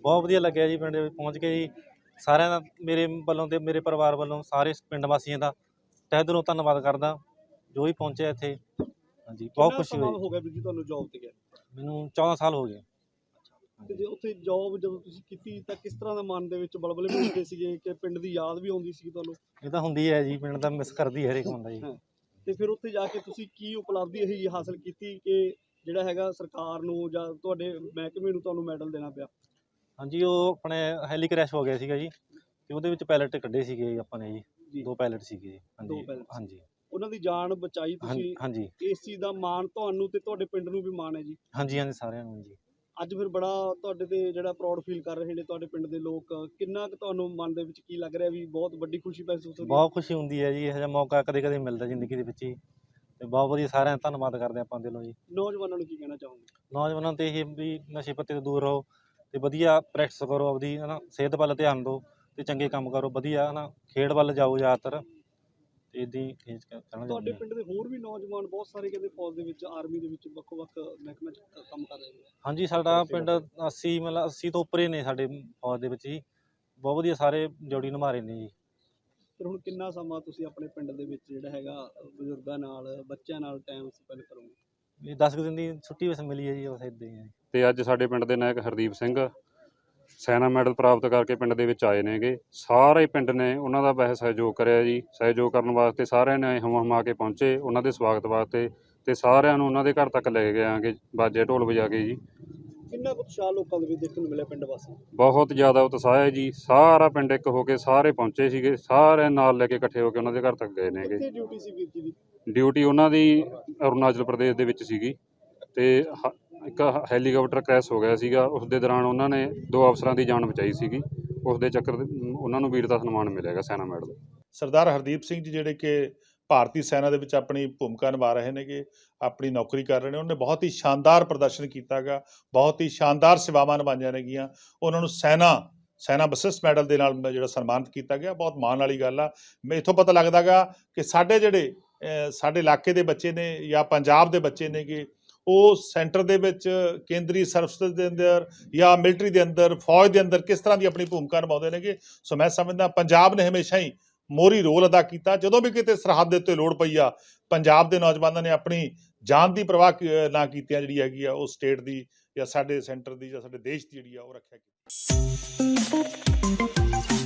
ਬਹੁਤ ਵਧੀਆ ਲੱਗਿਆ ਜੀ ਪਿੰਡ ਵਿੱਚ ਪਹੁੰਚ ਕੇ ਜੀ। ਸਾਰਿਆਂ ਦਾ ਮੇਰੇ ਵੱਲੋਂ ਤੇ ਮੇਰੇ ਪਰਿਵਾਰ ਵੱਲੋਂ ਸਾਰੇ ਪਿੰਡ ਵਾਸੀਆਂ ਦਾ ਤਹਿ ਦਿਲੋਂ ਧੰਨਵਾਦ ਕਰਦਾ ਜੋ ਵੀ ਪਹੁੰਚਿਆ ਇੱਥੇ। ਹਾਂਜੀ ਬਹੁਤ ਖੁਸ਼ੀ ਹੋਈ। ਹੋ ਗਿਆ ਵੀਰ ਜੀ ਤੁਹਾਨੂੰ ਜੌਬ ਤੇ ਗਿਆ? ਮੈਨੂੰ 14 ਸਾਲ ਹੋ ਗਏ। ਤੇ ਜੇ ਉੱਥੇ ਜੌਬ ਜਦੋਂ ਤੁਸੀਂ ਕੀਤੀ ਤਾਂ ਕਿਸ ਤਰ੍ਹਾਂ ਦਾ ਮਨ ਦੇ ਵਿੱਚ ਬਲਬਲੇ ਵੀ ਹੁੰਦੇ ਸੀਗੇ ਕਿ ਪਿੰਡ ਦੀ ਯਾਦ ਵੀ ਆਉਂਦੀ ਸੀ ਤੁਹਾਨੂੰ? ਇਹ ਤਾਂ ਹੁੰਦੀ ਹੈ ਜੀ, ਪਿੰਡ ਦਾ ਮਿਸ ਕਰਦੀ ਹਰੇਕ ਬੰਦਾ ਜੀ। ਤੇ ਫਿਰ ਉੱਥੇ ਜਾ ਕੇ ਤੁਸੀਂ ਕੀ ਉਪਲਬਧੀ ਇਹ ਹਾਸਲ ਕੀਤੀ ਕਿ ਜਿਹੜਾ ਹੈਗਾ ਸਰਕਾਰ ਨੂੰ ਜਾਂ ਤੁਹਾਡੇ ਮਹਿਕਮੇ ਨੂੰ ਤੁਹਾਨੂੰ ਮੈਡਲ ਦੇਣਾ ਪਿਆ? ਹਾਂਜੀ ਉਹ ਆਪਣੇ ਹੈਲੀ ਕ੍ਰੈਸ਼ ਹੋ ਗਿਆ ਸੀਗਾ ਜੀ, ਤੇ ਉਹਦੇ ਵਿੱਚ ਪਾਇਲਟ ਕੱਢੇ ਸੀਗੇ ਆਪਾਂ ਨੇ ਜੀ। 2 ਪਾਇਲਟ ਸੀਗੇ ਜੀ। ਹਾਂਜੀ ਉਹਨਾਂ ਦੀ ਜਾਨ ਬਚਾਈ ਤੁਸੀਂ। ਹਾਂਜੀ ਇਸ ਚੀਜ਼ ਦਾ ਮਾਣ ਤੁਹਾਨੂੰ ਤੇ ਤੁਹਾਡੇ ਪਿੰਡ ਨੂੰ ਵੀ ਮਾਣ ਹੈ ਜੀ। ਹਾਂਜੀ ਸਾਰਿਆਂ ਨੂੰ ਜੀ। ਅੱਜ ਫਿਰ ਬੜਾ ਤੁਹਾਡੇ ਤੇ ਜਿਹੜਾ ਪ੍ਰਾਊਡ ਫੀਲ ਕਰ ਰਹੇ ਨੇ ਤੁਹਾਡੇ ਪਿੰਡ ਦੇ ਲੋਕ, ਕਿੰਨਾ ਕੁ ਤੁਹਾਨੂੰ ਮਨ ਦੇ ਵਿੱਚ ਕੀ ਲੱਗ ਰਿਹਾ ਵੀ ਬਹੁਤ ਵੱਡੀ ਖੁਸ਼ੀ ਮਹਿਸੂਸ ਹੋ ਰਹੀ ਹੈ? ਬਹੁਤ ਖੁਸ਼ੀ ਹੁੰਦੀ ਹੈ ਜੀ, ਇਹੋ ਜਿਹਾ ਮੌਕਾ ਕਦੇ ਕਦੇ ਮਿਲਦਾ ਜ਼ਿੰਦਗੀ ਦੇ ਵਿੱਚ ਹੀ, ਤੇ ਬਹੁਤ ਵਧੀਆ। ਸਾਰਿਆਂ ਦਾ ਧੰਨਵਾਦ ਕਰਦੇ ਆਪਾਂ ਦਿਲੋਂ ਜੀ। ਨੌਜਵਾਨਾਂ ਨੂੰ ਕੀ ਕਹਿਣਾ ਚਾਹੋਗੇ? ਨੌਜਵਾਨਾਂ ਤੇ ਇਹ ਵੀ ਨਸ਼ੇ ਪੱਤੇ ਤੋਂ ਦੂਰ ਰਹੋ ਤੇ ਵਧੀਆ ਪ੍ਰੈਕਟਿਸ ਕਰੋ ਆਪਦੀ, ਹੈ ਨਾ, ਸਿਹਤ ਵੱਲ ਧਿਆਨ ਦਿਓ ਤੇ ਚੰਗੇ ਕੰਮ ਕਰੋ ਵਧੀਆ, ਹੈ ਨਾ, ਖੇਡ ਵੱਲ ਜਾਓ ਜ਼ਿਆਦਾਤਰ। ਤੇ ਇਹਦੀ ਇਹ ਕਹਿਣਾ ਤੁਹਾਡੇ ਪਿੰਡ ਦੇ ਹੋਰ ਵੀ ਨੌਜਵਾਨ ਬਹੁਤ ਸਾਰੇ ਕਹਿੰਦੇ ਫੌਜ ਦੇ ਵਿੱਚ, ਆਰਮੀ ਦੇ ਵਿੱਚ, ਵੱਖ-ਵੱਖ ਮਹਿਕਮਿਆਂ 'ਚ ਕੰਮ ਕਰ ਰਹੇ ਨੇ? ਹਾਂਜੀ ਸਾਡਾ ਪਿੰਡ 80 ਮਤਲਬ 80 ਤੋਂ ਉੱਪਰ ਹੀ ਨੇ ਸਾਡੇ ਫੌਜ ਦੇ ਵਿੱਚ ਜੀ। ਬਹੁਤ ਵਧੀਆ ਸਾਰੇ ਜੋੜੀ ਨਿਭਾ ਰਹੇ ਨੇ ਜੀ। ਫਿਰ ਹੁਣ ਕਿੰਨਾ ਸਮਾਂ ਤੁਸੀਂ ਆਪਣੇ ਪਿੰਡ ਦੇ ਵਿੱਚ ਜਿਹੜਾ ਹੈਗਾ ਬਜ਼ੁਰਗਾਂ ਨਾਲ, ਬੱਚਿਆਂ ਨਾਲ ਟਾਈਮ ਸਪੈਂਡ ਕਰੋਗੇ? ਇਹ 10 ਦਿਨ ਦੀ ਛੁੱਟੀ ਵੈਸੇ ਮਿਲੀ ਹੈ ਜੀ, ਬਸ ਇੱਦਾਂ ਹੀ ਹੈ। ਤੇ ਅੱਜ ਸਾਡੇ ਪਿੰਡ ਦੇ ਨਾਇਕ ਹਰਦੀਪ ਸਿੰਘ ਸੈਨਾ ਮੈਡਲ ਪ੍ਰਾਪਤ ਕਰਕੇ ਪਿੰਡ ਦੇ ਵਿੱਚ ਆਏ ਨੇਗੇ। ਸਾਰੇ ਪਿੰਡ ਨੇ ਉਹਨਾਂ ਦਾ ਬਹੁਤ ਸਹਿਯੋਗ ਕਰਿਆ ਜੀ। ਸਹਿਯੋਗ ਕਰਨ ਵਾਸਤੇ ਸਾਰਿਆਂ ਨੇ ਹਮਾ ਕੇ ਪਹੁੰਚੇ ਉਹਨਾਂ ਦੇ ਸਵਾਗਤ ਵਾਸਤੇ, ਤੇ ਸਾਰਿਆਂ ਨੂੰ ਉਹਨਾਂ ਦੇ ਘਰ ਤੱਕ ਲੈ ਕੇ ਆਂਗੇ ਬਾਜੇ ਢੋਲ ਵਜਾ ਕੇ ਜੀ। ਕਿੰਨਾ ਕੁ ਉਤਸ਼ਾਹ ਲੋਕਾਂ ਦੇ ਵਿੱਚ ਦੇਖਣ ਨੂੰ ਮਿਲਿਆ ਪਿੰਡ ਵਾਸੀ? ਬਹੁਤ ਜ਼ਿਆਦਾ ਉਤਸ਼ਾਹ ਹੈ ਜੀ। ਸਾਰਾ ਪਿੰਡ ਇੱਕ ਹੋ ਕੇ ਸਾਰੇ ਪਹੁੰਚੇ ਸੀਗੇ, ਸਾਰੇ ਨਾਲ ਲੈ ਕੇ ਇਕੱਠੇ ਹੋ ਕੇ ਉਹਨਾਂ ਦੇ ਘਰ ਤੱਕ ਗਏ ਨੇਗੇ। ਕਿੱਥੇ ਡਿਊਟੀ ਸੀ ਵੀਰ ਜੀ ਦੀ? ਡਿਊਟੀ ਉਹਨਾਂ ਦੀ ਅਰੁਣਾਚਲ ਪ੍ਰਦੇਸ਼ ਦੇ ਵਿੱਚ ਸੀਗੀ, ਤੇ ਇੱਕ ਹੈਲੀਕਾਪਟਰ ਕ੍ਰੈਸ਼ ਹੋ ਗਿਆ ਸੀਗਾ। ਉਸ ਦੇ ਦੌਰਾਨ ਉਹਨਾਂ ਨੇ 2 ਅਫਸਰਾਂ ਦੀ ਜਾਨ ਬਚਾਈ ਸੀਗੀ। ਉਸ ਦੇ ਚੱਕਰ ਉਹਨਾਂ ਨੂੰ ਵੀਰਤਾ ਸਨਮਾਨ ਮਿਲੇਗਾ ਸੈਨਾ ਮੈਡਲ। ਸਰਦਾਰ ਹਰਦੀਪ ਸਿੰਘ ਜੀ ਜਿਹੜੇ ਕਿ ਭਾਰਤੀ ਸੈਨਾ ਦੇ ਵਿੱਚ ਆਪਣੀ ਭੂਮਿਕਾ ਨਿਭਾ ਰਹੇ ਨੇਗੇ, ਆਪਣੀ ਨੌਕਰੀ ਕਰ ਰਹੇ ਨੇ, ਉਹਨੇ ਬਹੁਤ ਹੀ ਸ਼ਾਨਦਾਰ ਪ੍ਰਦਰਸ਼ਨ ਕੀਤਾ ਗਾ, ਬਹੁਤ ਹੀ ਸ਼ਾਨਦਾਰ ਸੇਵਾਵਾਂ ਨਿਭਾਈਆਂ ਨੇਗੀਆਂ। ਉਹਨਾਂ ਨੂੰ ਸੈਨਾ ਵਿਸ਼ਿਸ਼ਟ ਮੈਡਲ ਦੇ ਨਾਲ ਜਿਹੜਾ ਸਨਮਾਨਿਤ ਕੀਤਾ ਗਿਆ, ਬਹੁਤ ਮਾਣ ਵਾਲੀ ਗੱਲ ਆ। ਇੱਥੋਂ ਪਤਾ ਲੱਗਦਾ ਗਾ ਕਿ ਸਾਡੇ ਜਿਹੜੇ ਸਾਡੇ ਇਲਾਕੇ ਦੇ ਬੱਚੇ ਨੇ ਜਾਂ ਪੰਜਾਬ ਦੇ ਬੱਚੇ ਨੇਗੇ, ਉਹ ਸੈਂਟਰ ਦੇ ਵਿੱਚ ਕੇਂਦਰੀ ਸਰਵਿਸ ਦੇ ਅੰਦਰ ਜਾਂ ਮਿਲਟਰੀ ਦੇ ਅੰਦਰ, ਫੌਜ ਦੇ ਅੰਦਰ ਕਿਸ ਤਰ੍ਹਾਂ ਦੀ ਆਪਣੀ ਭੂਮਿਕਾ ਨਿਭਾਉਂਦੇ ਨੇਗੇ। ਸੋ ਮੈਂ ਸਮਝਦਾ ਪੰਜਾਬ ਨੇ ਹਮੇਸ਼ਾ ਹੀ ਮੋਹਰੀ ਰੋਲ ਅਦਾ ਕੀਤਾ। ਜਦੋਂ ਵੀ ਕਿਤੇ ਸਰਹੱਦ ਦੇ ਉੱਤੇ ਲੋੜ ਪਈ ਆ, ਪੰਜਾਬ ਦੇ ਨੌਜਵਾਨਾਂ ਨੇ ਆਪਣੀ ਜਾਨ ਦੀ ਪਰਵਾਹ ਨਾ ਕੀਤਿਆਂ ਜਿਹੜੀ ਹੈਗੀ ਆ ਉਹ ਸਟੇਟ ਦੀ ਜਾਂ ਸਾਡੇ ਸੈਂਟਰ ਦੀ ਜਾਂ ਸਾਡੇ ਦੇਸ਼ ਦੀ ਜਿਹੜੀ ਆ ਉਹ ਰੱਖਿਆ ਕੀਤੀ।